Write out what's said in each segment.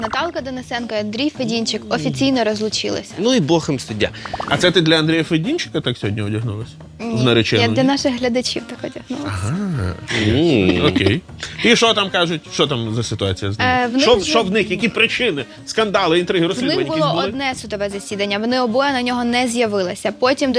Наталка Денисенко і Андрій Федінчик офіційно розлучилися. Ну і Бог їм суддя. А це ти для Андрія Федінчика так сьогодні одягнулась? В наречену? Я для наших глядачів так одягнулася. Ага. Окей. І що там кажуть? Що там за ситуація з ними? Що в них? Які причини? Скандали, інтриги, В розслідування них якісь було були? одне судове засідання. Вони обоє на нього не з'явилися. Потім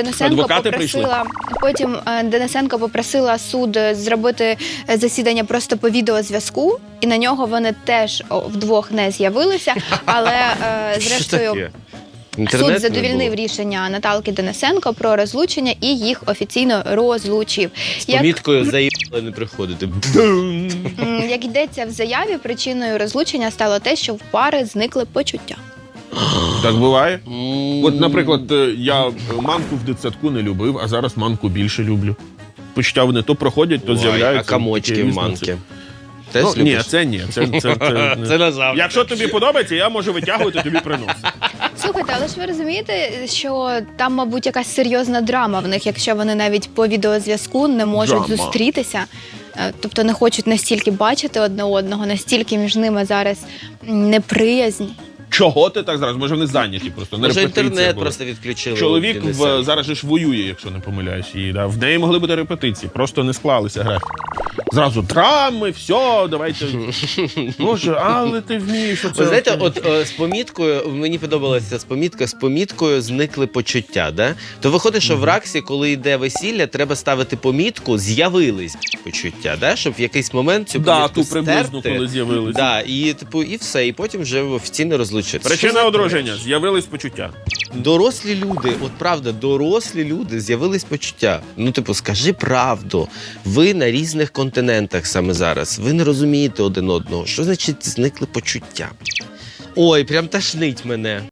Денисенко попросила суд зробити засідання просто по відеозв'язку, і на нього вони теж вдвох не з'явилися. Але зрештою суд задовільнив рішення Наталки Денисенко про розлучення і їх офіційно розлучив. З поміткою «заїбали не приходити». Як йдеться в заяві, причиною розлучення стало те, що в пари зникли почуття. Так буває? От, наприклад, я манку в дитсадку не любив, а зараз манку більше люблю. Почуття вони то проходять, то з'являються. А комочки в манки? Теж Ну, ні, це ні. Це назавжди. Якщо тобі подобається, я можу витягувати, тобі приносити. Слухайте, але ж ви розумієте, що там, мабуть, якась серйозна драма в них, якщо вони навіть по відеозв'язку не можуть зустрітися, тобто не хочуть настільки бачити одне одного, настільки між ними зараз неприязнь. Чого ти так зараз? Може, вони зайняті просто. На Може, репетиції інтернет були. просто відключили. Чоловік зараз же ж воює, якщо не помиляюсь. І, да, в неї могли бути репетиції, просто не склалися графіки. Зразу драми, все, давайте. Боже, але ти вмієш оце. Ви знаєте, от з поміткою, мені подобалася з поміткою зникли почуття, да? То виходить, що в РАКСі, коли йде весілля, треба ставити помітку, з'явились почуття, да? Щоб в якийсь момент цю помітку ту приблизно, стерти. коли з'явились. Да, і, типу, і все, і потім вже офіційно розлучитися. Причина одруження, з'явились почуття. Дорослі люди, от правда, дорослі люди, з'явились почуття. Ну, типу, скажи правду. Ви на різних континентах саме зараз. Ви не розумієте один одного. Що значить зникли почуття? Ой, прям тошнить мене.